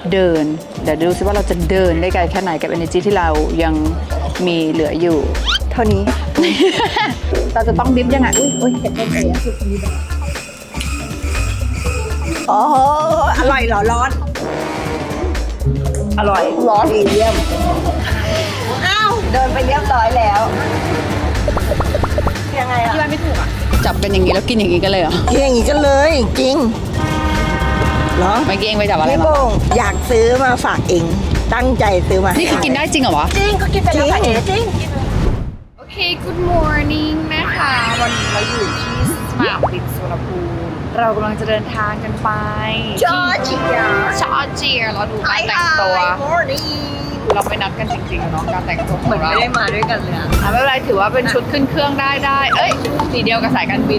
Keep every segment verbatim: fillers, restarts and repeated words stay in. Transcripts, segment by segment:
เดินเดี๋ยวดูซิว่าเราจะเดินได้ไกลแค่ไหนกับ energy ที่เรายังมีเหลืออยู่เท่านี้ เราจะต้องดิฟยังไงอุ้ยอุ้ยเห็นต้นเอ๋คือคนนี้แบบโอ้โหอร่อยเหรอร้อนอร่อยร้อนดีเยี่ยมอ้าวเดินไปเรียบร้อยแล้วยังไงอะที่บ้านไม่ถูกอ่ะจับกันอย่างนี้แล้วกินอย่างนี้กันเลยเหรอกินอย่างนี้กันเลยจริงเหรอเมื่อกี้เองไปจับอะไรพี่มาโป่งอยากซื้อมาฝากเองตั้งใจซื้อมานี่คือกินได้จริงเหรอวะจริงก็กินไปแล้วค่ะเอ๋จริงโอเค good morning นะคะ วันนี้เราอยู่ที่สนามบินสุวรรณภูมิเรากำลังจะเดินทางกันไปจอร์เจียจอร์เจียเราดูการแต่งตัว เราไปนัดกันจริงๆเนาะการแต่งตัวของเราไม่ได้มาด้วยกันเลยอะอ่ะไม่เป็นไรถือว่าเป็นชุดขึ้นเครื่องได้ได้เอ้ยสีเดียวกับสายการบิน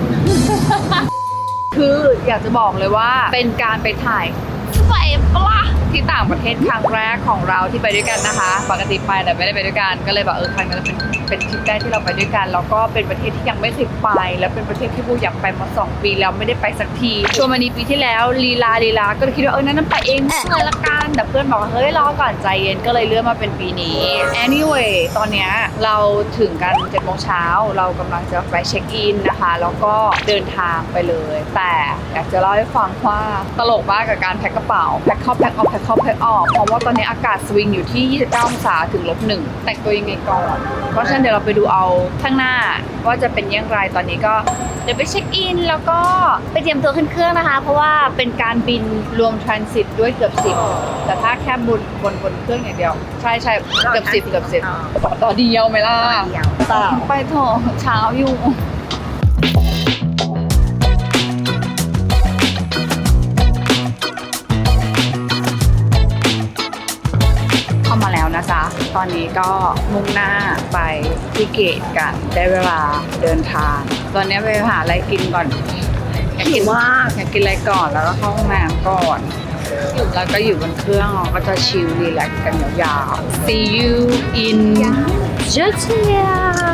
คืออยากจะบอกเลยว่าเป็นการไปถ่ายสวยปะล่ะที่ต่างประเทศครั้งแรกของเราที่ไปด้วยกันนะคะ ปกติไปแต่ไม่ได้ไปด้วยกันก็เลยแบบเออครั้งนี้เป็นเป็นทริปแรกที่เราไปด้วยกันแล้วก็เป็นประเทศที่ยังไม่เคยไปแล้วเป็นประเทศที่บูอยากไปมาสองปีแล้วไม่ได้ไปสักทีชวนมานีปีที่แล้วลีลาลีลาก็เลยคิดว่าเออนั้นไปเองเลยละกันแต่เพื่อนบอกว่าเฮ้ยรอก่อนใจเย็นก็เลยเลื่อนมาเป็นปีนี้ anyway ตอนเนี้ยเราถึงกันเจ็ดโมงเช้าเรากำลังจะไปเช็คอินนะคะแล้วก็เดินทางไปเลยแต่อยากจะเล่าให้ฟังว่าตลกมากกับการแพ็คกระเป๋าแพ็คเข้าแพ็คออกแพ็คเข้าแพ็คออกเพราะว่าตอนนี้อากาศสวิงอยู่ที่ยี่สิบเก้าองศาถึงลบหนึ่งแต่งตัวยังไงก่อนเพราะฉะนั้นเดี๋ยวเราไปดูเอาข้างหน้าว่าจะเป็นยังไงตอนนี้ก็เดี๋ยวไปเช็คอินแล้วก็ไปเตรียมตัวขึ้นเครื่องนะคะเพราะว่าเป็นการบินรวมทรานสิตด้วยเกือบสิบแต่ถ้าแค่บนบนบนเครื่องอย่างเดียวใช่ใช่เกือบสิบเกือบสิบต่อต่อเดียวไหมล่ะเปล่าไปเถอะเช้าอยู่เข้ามาแล้วนะจ๊ะตอนนี้ก็มุ่งหน้าไปที่เกตกันได้เวลาเดินทาง ตอนนี้ไปหาอะไรกินก่อนอยากกินว่าอยากกินอะไรก่อนแล้วก็เข้าห้องน้ำก่อนแล้วก็อยู่บนเครื่องเราก็จะชิลรีแลกซ์กันยาวๆ See you in Georgia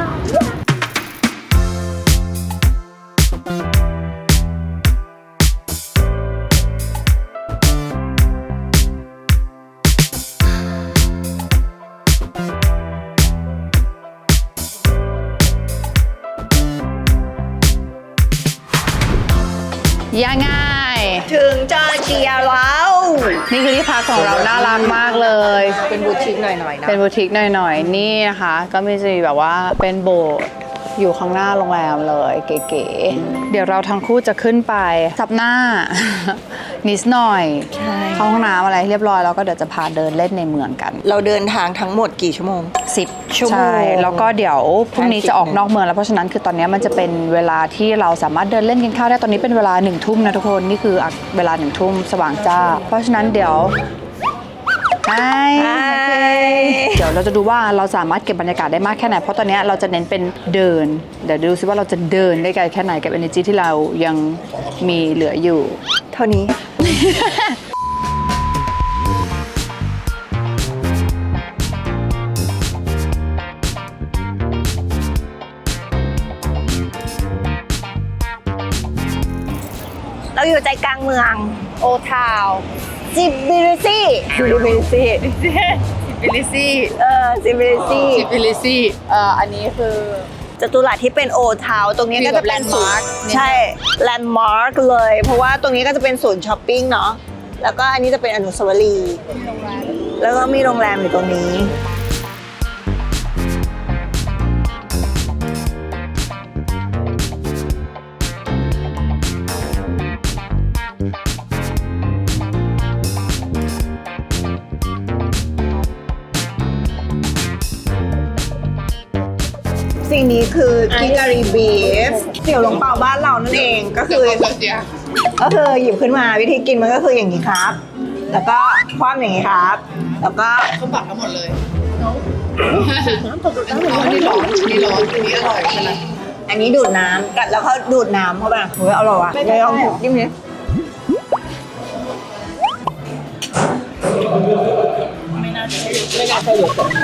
ยังไงถึงจอร์เจียแล้วนี่คือที่พักของเราน่ารักมากเลยเป็นบูติกหน่อยๆนะเป็นบูติกหน่อยๆนี่นะคะก็มีจะมีแบบว่าเป็นโบสถ์อยู่ข้างหน้าโรงแรมเลยเก๋ๆเดี๋ยวเราทั้งคู่จะขึ้นไปซับหน้า นิดหน่อยเข้าห้องน้ำอะไรเรียบร้อยแล้วก็เดี๋ยวจะพาเดินเล่นในเมืองกันเราเดินทางทั้งหมดกี่ชั่วโมงสิบชั่วโมงใช่แล้วก็เดี๋ยวพรุ่งนี้จะออกนอกเมืองแล้วเพราะฉะนั้นคือตอนนี้มันจะเป็นเวลาที่เราสามารถเดินเล่นกินข้าวได้ตอนนี้เป็นเวลาหนึ่งทุ่มนะทุกคนนี่คือเวลาหนึ่งทุ่มสว่างจ้าเพราะฉะนั้นเดี๋ยวไฮเดี๋ยวเราจะดูว่าเราสามารถเก็บบรรยากาศได้มากแค่ไหนเพราะตอนนี้เราจะเน้นเป็นเดินเดี๋ยวดูซิว่าเราจะเดินได้ไกลแค่ไหนกับ energy ที่เรายังมีเหลืออยู่เท่านี้ เราอยู่ใจกลางเมืองโอทาวซิบิลิซี่ซิบิลิซี่บิลิซี่เออซิบิลิซี่บิลิซี่เอ่ออันนี้คือจตุรัสที่เป็นโอทาวตรงนี้ก็จะเป็นศูนย์ landmark ใช่แลนด์มาร์กเลย เพราะว่าตรงนี้ก็จะเป็นศูนย์ช้อปปิ้งเนาะแล้วก็อันนี้จะเป็นอนุสาวรีย์แล้วก็มีโรงแรมอยู่ตรงนี้สิ่งนี้คือกิการีบีฟเสี่ยวหลงเปาบ้านเรานั่นเองก็คือก็คือหยิบขึ้นมาวิธีกินมันก็คืออย่างนี้ครับ แล้วก็คว่ำอย่างนี้ครับ แล้วก็เขาปักทั้งหมดเลยอันนี้ร้อนอันนี้ร้อนอันนี้อร่อยใช่ไหมอันนี้ดูดน้ำกัดแล้วเขาดูดน้ำเข้าไปเฮ้ยอร่อยว่ะไม่ลองจิ้มดิไม่น่าใช่ไม่น่าใช่โยเกิร์ต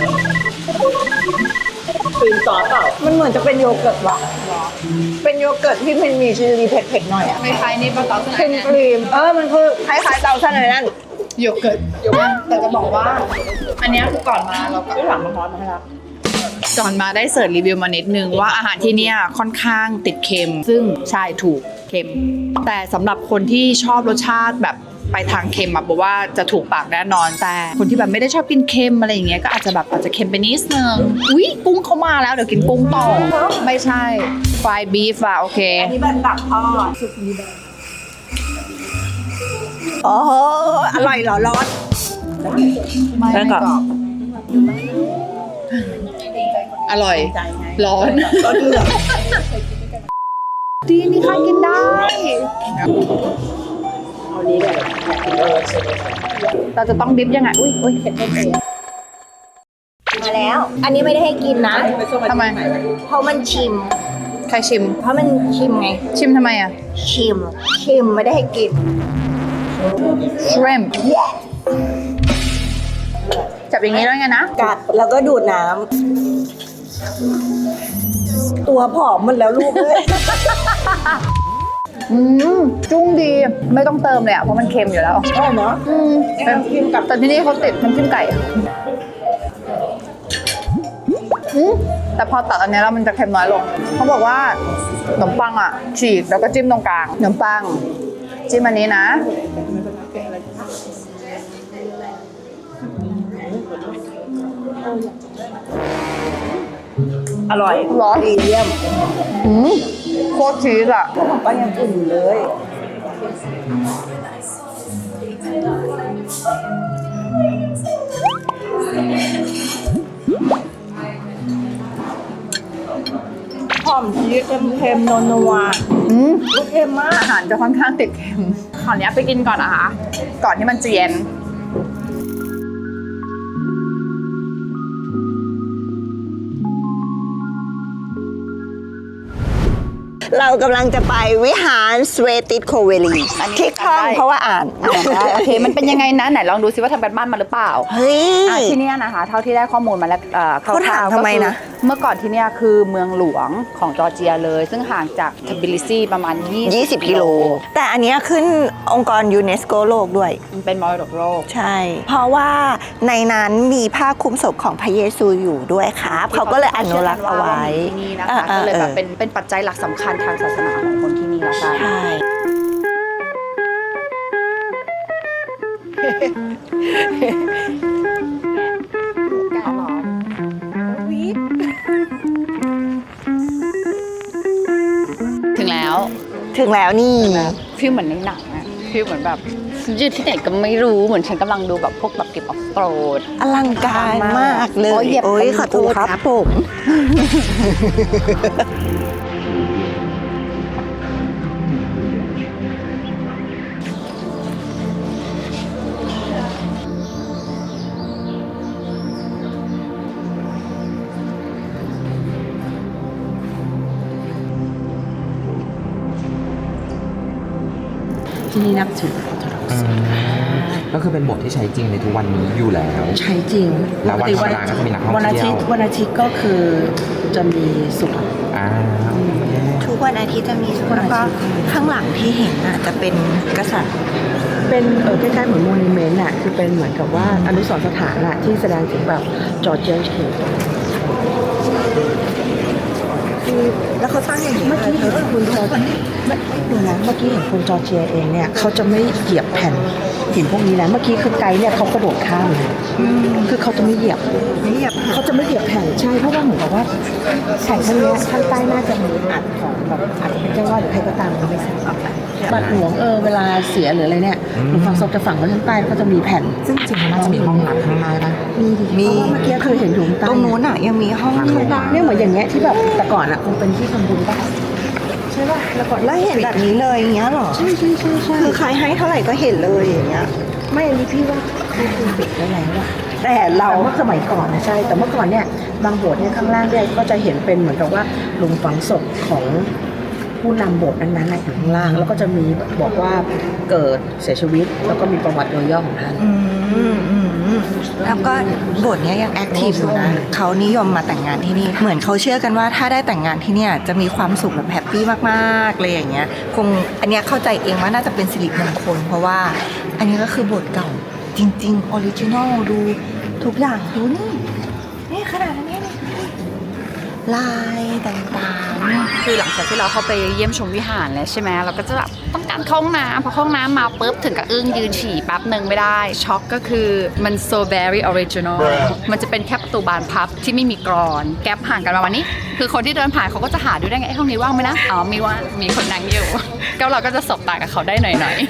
ครีมซอสเปล่ามันเหมือนจะเป็นโยเกิร์ตว่ะเป็นโยเกิร์ตที่มันมีชิลลี่เผ็ดๆหน่อยอ่ะไม่คล้ายนี่ปะเต๋าครีมครีมเออมันคือคล้ายๆเตาซ่านเลยนั่นโยเกิร์ตแต่จะบอกว่า อันเนี้ยคือก่อนมาเราก็หลังมาฮอตมาให้แล้วก่อนมาได้เสิร์ชรีวิวมานิดนึงว่าอาหารที่เนี่ยค่อนข้างติดเค็ม ซึ่งใช่ถูกเค็ม แต่สำหรับคนที่ชอบรสชาติแบบไปทางเค็มอะบอกว่าจะถูกปากแน่นอน แต่คนที่แบบไม่ได้ชอบกินเค็มอะไรอย่างเงี้ยก็อาจจะแบบอาจจะเค็มไปนิดนึงอุ๊ยกุ้งเข้ามาแล้วเดี๋ยวกินกุ้งต่อไม่ใช่ฟรายบีฟอะโอเคอันนี้เป็นตับทอดโอ้โหอร่อยเหรอร้อนไม่ไม่กรอบอร่อย ร้อนก็เดือดดีนี่ค่ะกินได้เราจะต้องดิฟยังไง อุ้ยอุ้ยเผ็ดเผ็ดมาแล้ว อันนี้ไม่ได้ให้กินนะทำไมเพราะมันชิมใครชิมเพราะมันชิมไงชิมทำไมอ่ะชิม ชิมไม่ได้ให้กิน shrimp จับอย่างนี้แล้วไงนะกัดแล้วก็ดูดน้ำตัวผอมหมันแล้วลูกเลยอืมจุ้งดีไม่ต้องเติมเลยอ่ะเพราะมันเค็มอยู่แล้วใช่เนาะอืมเป็นกินกับแต่ที่นี่เขาติดน้ำจิ้มไก่อะอืมแต่พอตัดอันนี้แล้วมันจะเค็มน้อยลงเขาบอกว่าขนมปังอ่ะฉีกแล้วก็จิ้มตรงกลางขนมปังจิ้มอันนี้นะอร่อยร้อนดีเยี่ยมอืมโคตรชีสอ่ะขนมปังยังอุ่นอยู่เลยหอมชีสเค็มๆนัวอืมๆเค็มมากอาหารจะค่อนข้างติดเค็มขออนุญาตไปกินก่อนนะคะ ก่อนที่มันจะเย็นเรากำลังจะไปวิหารสเวติสโคเวลีที่คล่องเพราะว่าอ่านอ่านได้โอเค มันเป็นยังไงนะ ไหนลองดูซิว่าทำกันบ้านมาหรือเปล่าเฮ้ยอ่ะที่เนี่ยนะคะ เท่าที่ได้ข้อมูลมาแล้วเอ่อคเขาถามร่าวๆทำไมก็คือนะเมื่อก่อนที่เนี่ยคือเมืองหลวงของจอร์เจียเลย ซึ่งห่างจากทบิลิซีประมาณยี่สิบกิโล แต่อันเนี้ยขึ้นองค์กรยูเนสโกโลกด้วยมันเป็นมรดกโลกใช่ เพราะว่าในนั้นมีผ้าคลุมศพของพระเยซูอยู่ด้วยครับ เขาก็เลยอนุรักษ์เอาไว้ที่นี่นะคะก็เลยแบบเป็นเป็นปัจจัยหลักสำคัญทางศาสนาของคนที่นี่ละกันใช่ถึงแล้วถึงแล้วนี่ฟีลเหมือนในหนังอะฟีลเหมือนแบบอยู่ที่ไหนก็ไม่รู้เหมือนฉันกำลังดูแบบพวกแบบเก็บออฟโรดอลังการมากเลโอ้ยยเหยียบโอ้ยไปขอโทษครับผมที่นี่นับถือออร์โธดอกซ์ก็คือเป็นบทที่ใช้จริงในทุกวันนี้อยู่แล้วใช้จริงแล้ววันธรรมดาก็จะมีนักท่องเที่ยววันอาทิตย์วันอาทิตย์ก็คือจะมีสุขอ่าทุกวันอาทิตย์จะมีทุกวันแล้วอาก็ทิตย์ข้างหลังที่เห็นอ่ะจะเป็นกษัตริย์เป็นเออคล้ายๆเหมือนโมนิเมนต์อ่ะคือเป็นเหมือนกับว่าอนุสรณ์สถานอ่ะที่แสดงถึงแบบจอร์เจียนเขตแล้วเขาตั้งอย่างนี้เมื่อกี้เห็นคุณจอร์เมื่อดูนะเมื่อกี้เห็นคนจอร์เจียเองเนี่ยเขาจะไม่เหยียบแผ่นหินพวกนี้นะเมื่อกี้คือไกด์เนี่ยเขากระโดดข้ามเลยคือเขาจะไม่เหยียบไม่เหยียบเขาจะไม่เหยียบแผ่นใช่เพราะว่าเหมือนกับว่าแผ่นข้างเนี้ยข้างใต้น่าจะมีอัดของแบบอัดเป็นเจ้าว่าหรือใครก็ตามเขาไม่ทราบบัตรหลวงเออเวลาเสียหรืออะไรเนี่ยหลวงฝั่งศพจะฝังไว้ข้างใต้ก็จะมีแผ่นซึ่งจริงน่าจะมีห้องน้ำข้างในปะมีดิมีเพราะว่าเมื่อกี้เคยเห็นอยู่ข้างใต้ตรงนู้นอ่ะยังมีห้องข้างล่างเนี่ยเหมือนอย่างเงี้ยที่แบบแต่ก่อนอ่ะคงเป็นที่ทำบุญป่ะใช่ป่ะแล้วก่อนแล้วเห็นแบบนี้เลยอย่างเงี้ยเหรอใช่ใช่ใช่ใช่คือใครให้เท่าไหร่ก็เห็นเลยอย่างเงี้ยไม่อันนี้พี่ว่าคือคือปิดได้แล้วอะแต่เราแต่เมื่อสมัยก่อนนะใช่ แต่เมื่อก่อนเนี่ยบางโบสถ์เนี่ยข้างล่างเนี่ยก็จะเห็นเป็นเหมือนกับว่าหลุมฝังศพของผู้นำโบสถ์นั้นๆน่ะอยู่ข้างล่าง แล้วก็จะมีบอกว่าเกิดเสียชีวิต แล้วก็มีประวัติโดยย่อของท่านอืมอืมอืมแล้วก็บทเนี้ยยังแอคทีฟอยู่นะเขานิยมมาแต่งงานที่นี่ เหมือนเขาเชื่อกันว่าถ้าได้แต่งงานที่เนี่ยจะมีความสุขแบบแฮปปี้มากๆเลยอย่างเงี้ย คงอันเนี้ยเข้าใจเองว่าน่าจะเป็นสิริมงคลเพราะว่า อันนี้ก็คือบทเก่าจริงๆออริจินอลดูทุกอย่างดูนี่นี่ขนาดนี้นี่ลายต่างๆคือหลังจากที่เราเข้าไปเยี่ยมชมวิหารแล้วใช่ไหมเราก็จะแบบต้องการเข้าห้องน้ำพอเข้าห้องน้ำมาปุ๊บถึงกับอึ้งยืนฉี่แป๊บหนึ่งไม่ได้ช็อกก็คือมัน so very original มันจะเป็นแค่ประตูบานพับที่ไม่มีกรอนแก๊ปห่างกันประมาณนี้คือคนที่เดินผ่านเขาก็จะหาดูได้ไงไอ้ห้องนี้ว่างไหมนะอ๋อมีว่างมีคนนั่งอยู่ก็เราก็จะสบตากับเขาได้หน่อย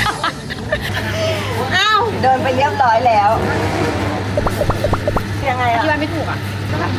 ๆอ้าวเดินไปเรียบร้อยแล้วยังไงอะที่บ้านไม่ถูกอ่ะก็แบบ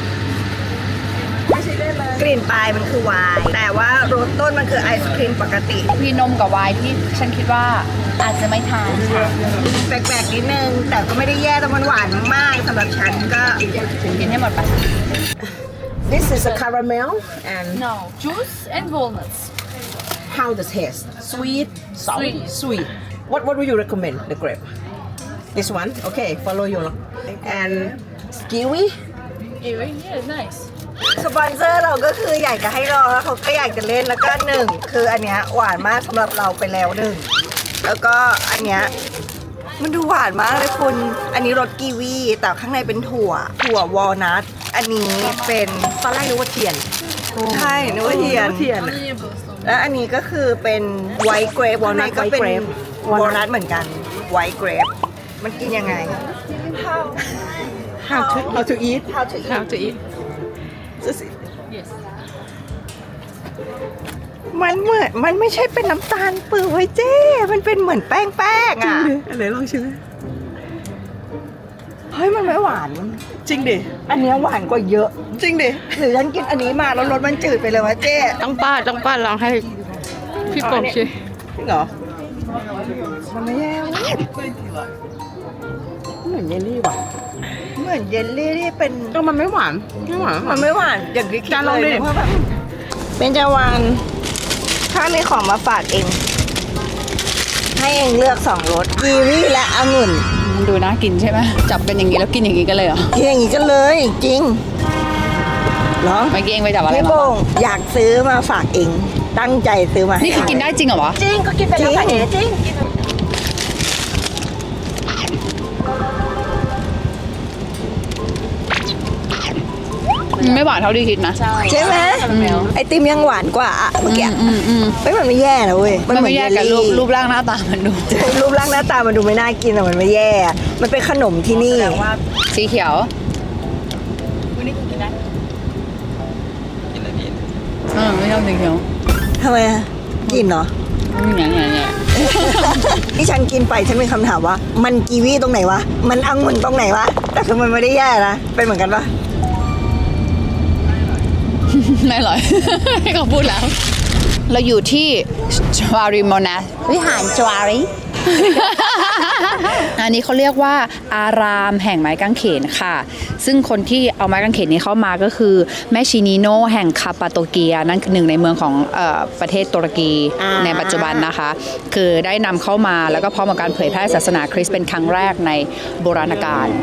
กลิ่นปลายมันคือไวน์แต่ว่ารสต้นมันคือไอศครีมปกติมีนมกับไวน์ที่ฉันคิดว่าอาจจะไม่ทานค่ะแปลกๆนิดนึง แต่ก็ไม่ได้แย่แต่มันหวานมากสำหรับฉันก็กินให้หมดไป This is a caramel and no juice and walnuts how the taste sweet sour Sweet. sweet what what would you recommend the grape this one okay follow you and kiwi yeah nice สปอนเซอร์เราก็คืออยากจะให้ลองแล้วเขาก็อยากจะเล่นแล้วก็หนึ่งคืออันเนี้ยหวานมากสำหรับเราไปแล้วหนึ่งแล้วก็อันเนี้ยมันดูหวานมากเลยคุณอันนี้รสกีวีแต่ข้างในเป็นถั่วถั่ววอลนัทอันนี้เป็นตอนแรกนึกว่าเทียนใช่นึกว่าเทียนเทียนแล้วอันนี้ก็คือเป็นไวท์เกรป Walnut ก็เป็น white grape วอลนัทเหมือนกันไวท์เกรปมันกินยังไง how to how to eat how to eat how to eat yes มันเหมือนมันไม่ใช่เป็นน้ำตาลเปลือยเจ้ มันเป็นเหมือนแป้งแป้งอ่ะอันไหนลองชิมเฮ้ยมันไม่หวานจริงดิอันเนี้ยหวานกว่าเยอะจริงดิหรือฉันกินอันนี้มาแล้วรสมันจืดไปเลยวะเจ้ต้องป้าต้องป้าลองให้พี่กบชิจริงเหรอมันไม่แย่เว้ยเหมือนเยลลี่ว่ะเหมือนเยลลี่ที่เป็นก็มันไม่หวานไม่หวานมันไม่หวานอย่างที่คิดจานลองดิเลยเพราะแบบเป็นจาวานถ้ามีของมาฝากเอง ให้เองเลือกสองรสกีวีและองุ่นดูน่ากินใช่ไหมจับเป็นอย่างนี้แล้วกินอย่างนี้กันเลยเหรอกินอย่างนี้กันเลยจริงเหรอเมื่อกี้เองไปจับอะไรพี่มาโป่งอยากซื้อมาฝากเอง ตั้งใจซื้อมาให้นี่คือกินได้จริงเหรอวะจริงก็กินไปแล้วค่ะเอ๋จริงไม่หวานเท่าที่คิดนะใช่ไหมไอติมยังหวานกว่าอะเมื่อกี้อืมอืมเฮ้ยมันไม่แย่นะเว้ยมันไม่แยกกับรูปเหมือนเยลลี่รูปร่างหน้าตามันดูรูปร่างหน้าตามันดูไม่น่ากินแต่มันไม่แย่ มันเป็นขนมที่นี่สีเขียวกินอะไรพี่เออไม่ชอบสีเขียวทำไมอะกินเนาะอย่างเงี้ยเนี่ยที่ฉันกินไปฉันมีคำถามว่า มันกีวีตรงไหนวะ มันองุ่นตรงไหนวะ แต่คือมันไม่ได้แย่นะ เป็นเหมือนกันปะไม่อร่อย ให้เขาพูดแล้ว เราอยู่ที่จวารีโมนาวิหารจวารี อันนี้เขาเรียกว่าอารามแห่งไม้กางเขนค่ะ ซึ่งคนที่เอาไม้กางเขนนี้เข้ามาก็คือแม่ชินิโนแห่งคาปาโตเกียนั่นคือหนึ่งในเมืองของเออประเทศตุรกีอ่าในปัจจุบันนะคะ คือได้นำเข้ามาแล้วก็พร้อมกับการเผยแพร่ศาสนาคริสต์เป็นครั้งแรกในโบราณกาล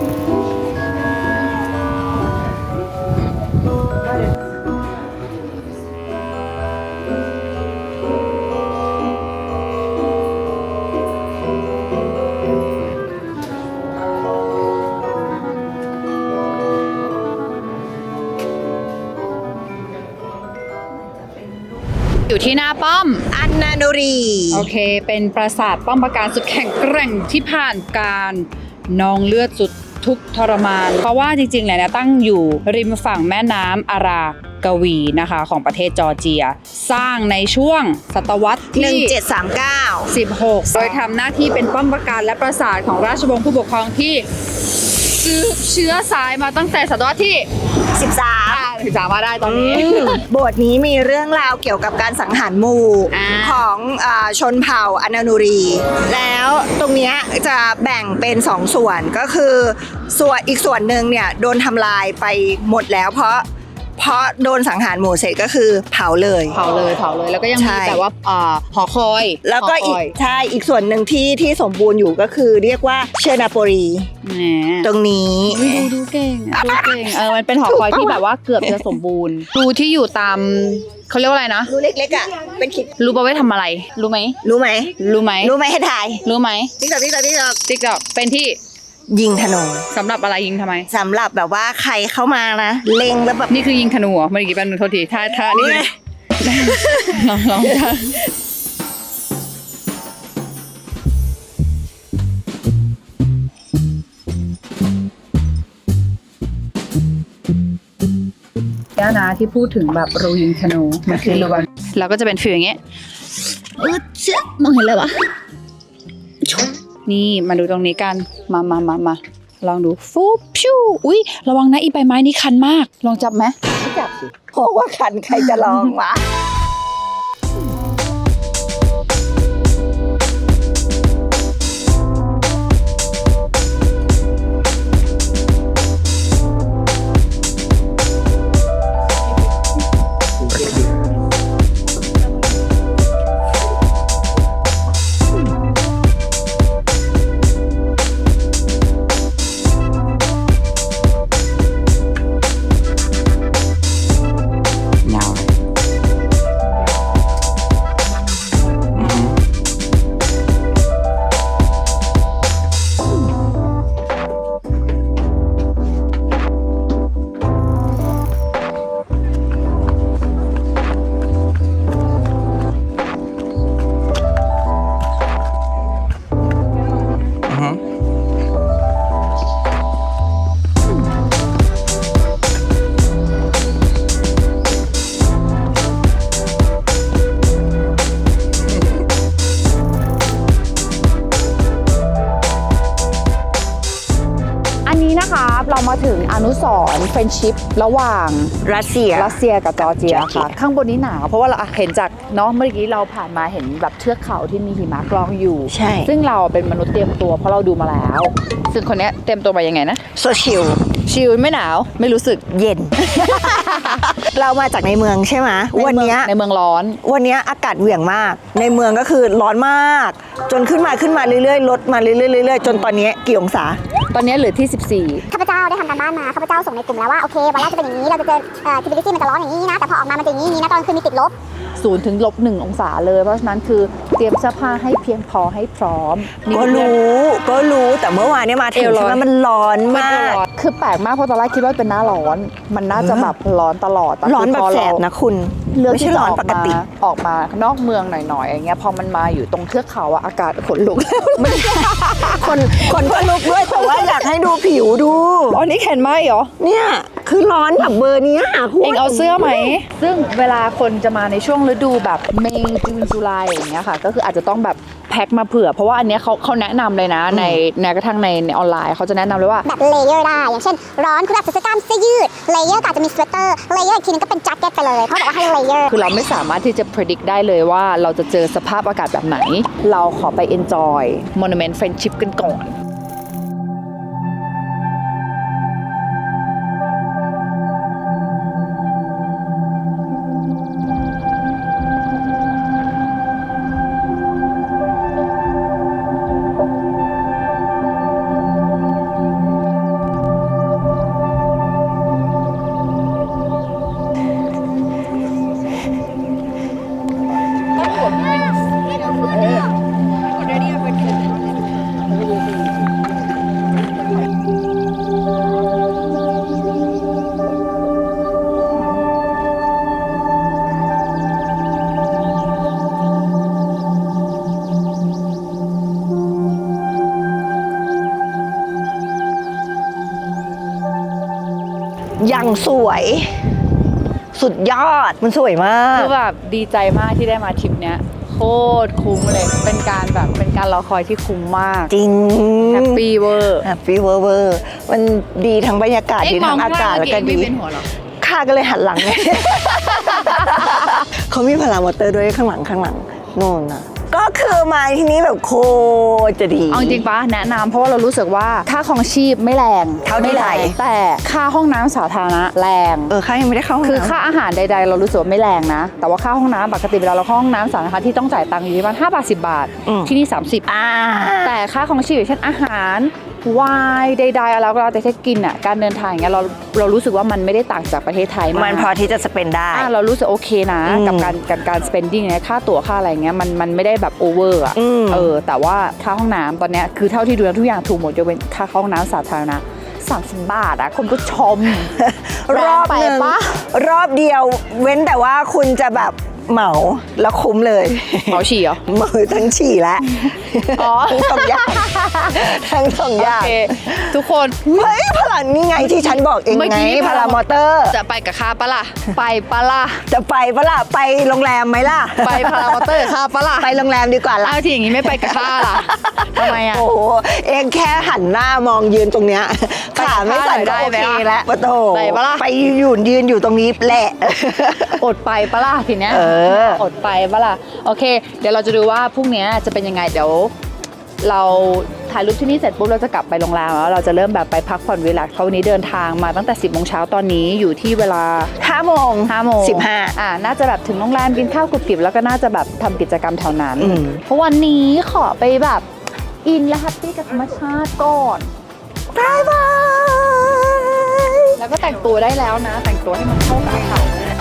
อยู่ที่หน้าป้อมอันนานุรีโอเค เป็นปราสาทป้อมปราการสุดแข็งแกร่งที่ผ่านการนองเลือดสุดทุกข์ทรมาน เพราะว่าจริงๆแล้วเนี่ยตั้งอยู่ริมฝั่งแม่น้ำอารากวีนะคะของประเทศจอร์เจีย สร้างในช่วงศตวรรษหนึ่งที่เจ็ดสามเก้าสิบหก โดยทำหน้าที่เป็นป้อมปราการและปราสาทของราชวงศ์ผู้ปกครองที่สืบเชื้อสายมาตั้งแต่ศตวรรษที่สิบสามอ่าถึงสามมาได้ตอนนี้โบสถ์นี้มีเรื่องราวเกี่ยวกับการสังหารหมู่อ่าของอาชนเผ่าอนานุรี แล้วตรงเนี้ยจะแบ่งเป็นสองส่วนก็คือส่วนอีกส่วนหนึ่งเนี่ยโดนทำลายไปหมดแล้ว เพราะเพราะโดนสังหารหมู่เสร็จก็คือเผาเลยเผาเลยเผาเลยแล้วก็ยังใช่มีแบบว่าอ่าหอคอยแล้วก็อีกหคยใช่อีกส่วนหนึ่งที่ที่สมบูรณ์อยู่ก็คือเรียกว่าเชอร์นาโปรีแหมตรงนี้อุ๊ยดูดูเก่งอะดูเก่งเออมันเป็นหอคอยที่แบบว่าเกือบจะสมบูรณ์รูที่อยู่ตามเขาเรียกว่าอะไรนะรูเล็กๆอ่ะเป็นคิดรู้ป่ะไว้ทำอะไร รู้ไหมรู้ไหมรู้ไหมรู้ไหมให้ถ่ายรู้ไหมติ๊กต๊อกติ๊กต๊อกติ๊กต๊อกติ๊กตอกเป็นที่ยิงธนูสำหรับอะไรยิงทำไมสำหรับแบบว่าใครเข้ามานะเล็งแล้วแบบนี่คือยิงธนูเหรอเมื่อกี้แป๊บนึงโทษทีถ้าถ้านี่นี่ไงลองลองถ้าย่านะที่พูดถึงแบบรูยิงธนูมันคือรูแบบเราก็จะเป็นฟิลอย่างเงี้ยเออเชื่อมองเห็นเลยวะนี่มาดูตรงนี้กันมามามามาลองดูฟูพิวอุ้ยระวังนะอีใบไม้นี้คันมากลองจับไหมจับสิเพราะว่าคันใครจะลองวะยาวเลยอือฮึ อือฮึอันนี้นะคะเรามาถึงอนุสรณ์เฟรนชิพระหว่างรัสเซียรัสเซียกับจอร์เจียจอร์เจียค่ะ ข้างบนนี้หนาวเพราะว่าเราเห็นจากเนาะเมื่อกี้เราผ่านมาเห็นแบบเทือกเขาที่มีหิมะกรองอยู่ใช่ซึ่งเราเป็นมนุษย์เตรียมตัวเพราะเราดูมาแล้ว ซึ่งคนเนี้ยเตรียมตัวมายังไงนะโซชิลชิลไม่หนาวไม่รู้สึกเย็น เรามาจากในเมืองใช่ไหมวันเนี้ยในเมืองร้อนวันเนี้ยอากาศเหวี่ยงมาก ในเมืองก็คือร้อนมาก จนขึ้นมาขึ้นมาเรื่อยๆลดมาเรื่อยๆเรื่อยๆจนตอนนี้กี่องศาตอนนี้เหลือที่ สิบสี่ข้าพเจ้าได้ทำการบ้านมาข้าพเจ้าส่งในกลุ่มแล้วว่าโอเควันแรกจะเป็นอย่างนี้เราจะเจอเอ่อ humidity มันจะร้อนอย่างนี้นะแต่พอออกมามันจะอย่างนี้อย่างนี้นะตอนกลางคืนมีติดลบศูนย์ถึงลบหนึ่งองศาเลย เพราะฉะนั้นคือเตรียมเสื้อผ้าให้เพียงพอให้พร้อมก็รู้ก็รู้แต่เมื่อวานเนี่ยมาถึงเอวร้อนใช่ไหมมันร้อนมามากกคือแปลกมากเพราะตอนแรกคิดว่าเป็นหน้าร้อน มันน่าจะแบบร้อนตลอดต่ร้อนแบบคืพแสบเรานะคุณเลือกไม่ที่ใช่จะร้ออนอกปกมาติออกมานอกเมืองหน่อยๆอย่างเงี้ยพอมันมาอยู่ตรงเทือกเขาอะอากาศขนลุกคนคนก็ลุกด้วยแต่ว่าอยากให้ดูผิวดูอ๋อนี่แขนไหมเหรอเนี่ยคือร้อนแบบเบอร์เนี้ยคุณเองเอาเสื้อไหม ซึ่งเวลาคนจะมาในช่วงฤดูแบบเมย์จูนจุลายอย่างเงี้ยค่ะ ก็คืออาจจะต้องแบบแพ็คมาเผื่อ เพราะว่าอันเนี้ยเขาเขาแนะนำเลยนะ ในแม้กระทั่งในในออนไลน์เขาจะแนะนำเลยว่าแบบเลเยอร์ได้ อย่างเช่น ร้อนคุณแบบใส่เสื้อกล้ามเสื้อยืดเลเยอร์ก็อาจจะมีสเวตเตอร์เลเยอร์อีกทีนึงก็เป็นแจ็คเก็ตไปเลยเขาบอกว่าให้เลเยอร์คือเราไม่สามารถที่จะ predict ได้เลยว่าเราจะเจอสภาพอากาศแบบไหน เราขอไป enjoy monument friendship กันก่อนยังสวย สุดยอดมันสวยมากคือแบบดีใจมากที่ได้มาทริปเนี้ยโคตรคุ้มเลย เป็นการแบบเป็นการรอคอยที่คุ้มมากจริงแฮปปี้เวอร์แฮปปี้เวอร์เวอร์มันดีทั้งบรรยากาศดีทั้งอากาศแล้วก็ดีเป็นหัวหรอข้าก็เลยหันหลังไง เขามีพารามอเตอร์ด้วยข้างหลังข้างหลังโน่นน่ะก็คือมาที่นี้แบบโคตรจะดีเอาจริงๆปะแนะนำเพราะว่าเรารู้สึกว่าค่าครองชีพไม่แรงเท่าที่ไม่แรไทงยแต่ค่าห้องน้ำสาธารณะแรงเออข้ายังไม่ได้เข้าห้องคือน้ำค่าอาหารใดๆ เรารู้สึกว่าไม่แรงนะ แต่ว่าค่าห้องน้ำปกติเวลาเราเข้าห้องน้ำสาธารณะที่ต้องจ่ายตังค์อยู่ที่ประมาณห้าบาทสิบบาทอืมที่นี่สามสิบอ่าแต่ค่าของชีพอย่างเช่นอาหารไวน์ใดๆอะไรก็แล้วแต่ที่กินอ่ะการเดินทางอย่างเงี้ยเราเรารู้สึกว่ามันไม่ได้ต่างจากประเทศไทยมากมันพอที่จะสเปนได้อ่ะเรารู้สึกโอเคนะอืมกับการกับการ spending เนี่ยค่าตั๋วค่าอะไรเงี้ยมันมันไม่ได้แบบโอเวอร์อ่ะอืมเออแต่ว่าค่าห้องน้ำตอนเนี้ยคือเท่าที่ดูแล้วทุกอย่างถูกหมดยกเว้นค่าห้องน้ำสาธารณะสามสิบบาทอ่ะคนก็ชมรอบหนึ่งแรงไปปะรอบเดียวเว้นแต่ว่าคุณจะแบบเหมาแล้วคุ้มเลยเหมาฉี่เหรอเหมาทั้งฉี่แล้วอ๋อทั้งสองอย่างทั้งสองอย่างโอเคทุกคนเฮ้ยพลังนี่ไงที่ฉันบอกเองเมื่อไงกี้พลามอเตอร์จะไปกับข้าปะล่ะไปปะล่ะจะไปปะล่ะไปโรงแรมไหมล่ะไปพารามอเตอร์กับข้าปะล่ะไปโรงแรมดีกว่าล่ะเอาทีอย่างงี้ไม่ไปกับข้าล่ะทำไมอ่ะโอ้โหเองแค่หันหน้ามองยืนตรงเนี้ยไปกับขาไม่สั่นข้าหน่อยได้ก็โอไหมเคล่ะแล้วปะโถไปปะล่ะไปยืนยืนอยู่ตรงนี้แหละอดไปปะล่ะทีเนี้ยเอออดไปปะล่ะโอเค เดี๋ยวเราจะดูว่าพรุ่งนี้จะเป็นยังไงเดี๋ยวเราถ่ายรูปที่นี่เสร็จปุ๊บเราจะกลับไปโรงแรมแล้วเราจะเริ่มแบบไปพักผ่อนรีแลกซ์เพราะวันนี้เดินทางมาตั้งแต่สิบโมงเช้าตอนนี้อยู่ที่เวลาห้าโมงห้าโมงสิบห้าอ่าน่าจะแบบถึงโรงแรมกินข้าวกรุบกริบแล้วก็น่าจะแบบทำกิจกรรมแถวนั้นอืมเพราะวันนี้ขอไปแบบอินและแฮปปี้กับธรรมชาติก่อนบายบายแล้วก็แต่งตัวได้แล้วนะ แต่งตัวให้มันเข้ากับอากาศ